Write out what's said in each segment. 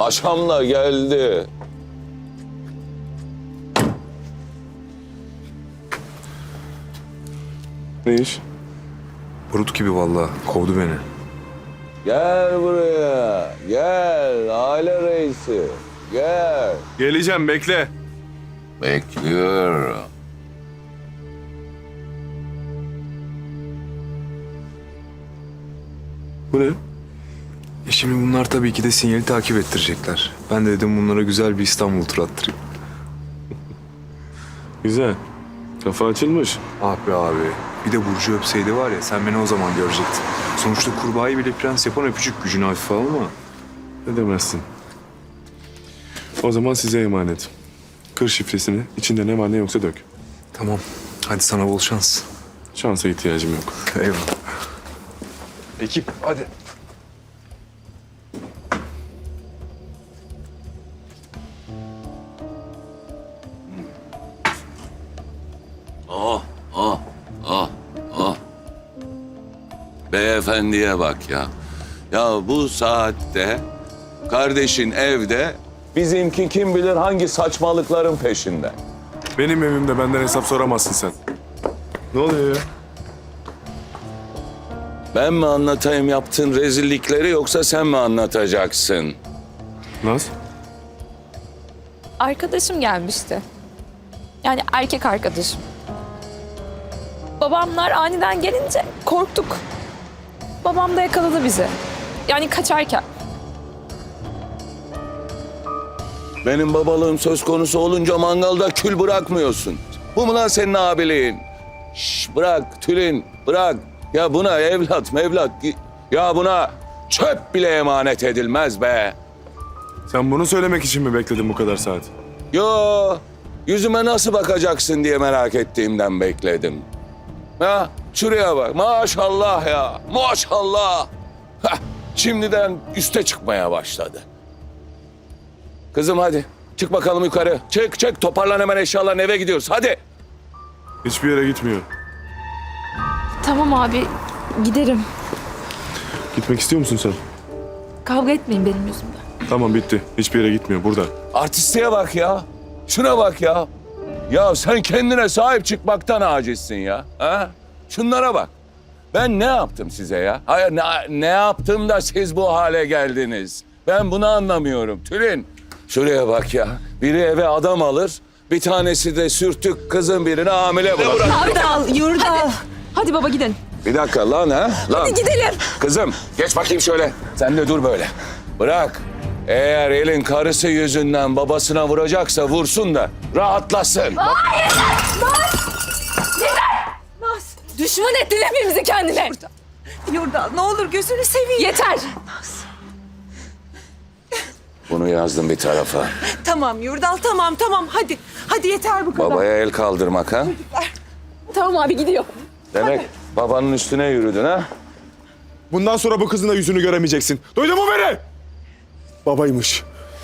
Paşamla geldi. Ne iş? Brut gibi vallahi kovdu beni. Gel buraya. Gel aile reisi. Gel. Geleceğim, bekle. Bekliyorum. Bu ne? Şimdi bunlar tabii ki de sinyali takip ettirecekler. Ben de dedim bunlara güzel bir İstanbul turu attırayım. Güzel. Kafa açılmış. Ah be abi. Bir de Burcu öpseydi var ya, sen beni o zaman görecektin. Sonuçta kurbağayı bile prens yapan öpücük, gücünü hafife alma. Ne demezsin. O zaman size emanet. Kır şifresini, içinde ne var ne yoksa dök. Tamam. Hadi sana bol şans. Şansa ihtiyacım yok. Eyvallah. Ekip hadi. Oh, oh, oh, oh. Beyefendiye bak ya. Ya bu saatte kardeşin evde, bizimki kim bilir hangi saçmalıkların peşinde. Benim evimde benden hesap soramazsın sen. Ne oluyor ya? Ben mi anlatayım yaptığın rezillikleri yoksa sen mi anlatacaksın? Naz? Arkadaşım gelmişti. Yani erkek arkadaşım. Babamlar aniden gelince korktuk. Babam da yakaladı bizi. Yani kaçarken. Benim babalığım söz konusu olunca mangalda kül bırakmıyorsun. Bu mu lan senin abiliğin? Şş, bırak Tülin, bırak. Ya buna evlat mevlat, ya buna çöp bile emanet edilmez be. Sen bunu söylemek için mi bekledin bu kadar saat? Yo, yüzüme nasıl bakacaksın diye merak ettiğimden bekledim. Ha, şuraya bak, maşallah ya, maşallah. Hah, şimdiden üste çıkmaya başladı. Kızım hadi, çık bakalım yukarı. Çık, toparlan hemen eşyalarını, eve gidiyoruz, hadi. Hiçbir yere gitmiyor. Tamam abi, giderim. Gitmek istiyor musun sen? Kavga etmeyin benim yüzümden. Tamam, bitti. Hiçbir yere gitmiyor, burada. Artistliğe bak ya, şuna bak ya. Ya sen kendine sahip çıkmaktan acizsin ya. Ha? Şunlara bak. Ben ne yaptım size ya? Hayır, ne yaptım da siz bu hale geldiniz? Ben bunu anlamıyorum Tülin. Şuraya bak ya. Biri eve adam alır, bir tanesi de sürtük kızın birini hamile bırakır. Yurdal, Yurdal. Hadi baba gidelim. Bir dakika lan ha? Lan. Hadi gidelim. Kızım geç bakayım şöyle. Sen de dur böyle. Bırak. Eğer elin karısı yüzünden babasına vuracaksa vursun da rahatlasın. Hayır! Naz! Düşman ettin hepimizi kendine. Yurdal ne olur gözünü seveyim. Yeter. Bunu yazdım bir tarafa. Tamam Yurdal tamam hadi. Hadi yeter bu kadar. Babaya el kaldırmak ha? Tamam abi gidiyor. Demek babanın üstüne yürüdün ha? Bundan sonra bu kızın da yüzünü göremeyeceksin. Duydun mu beni? Babaymış.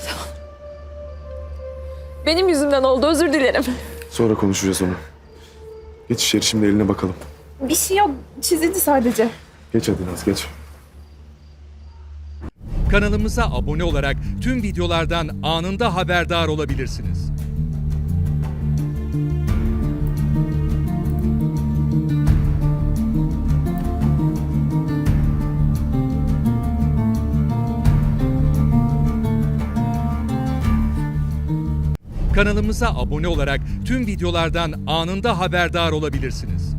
Benim yüzümden oldu, özür dilerim. Sonra konuşacağız onu. Geç içeri, şimdi eline bakalım. Bir şey yok, çizildi sadece. Geç hadi Naz, geç. Kanalımıza abone olarak tüm videolardan anında haberdar olabilirsiniz. Kanalımıza abone olarak tüm videolardan anında haberdar olabilirsiniz.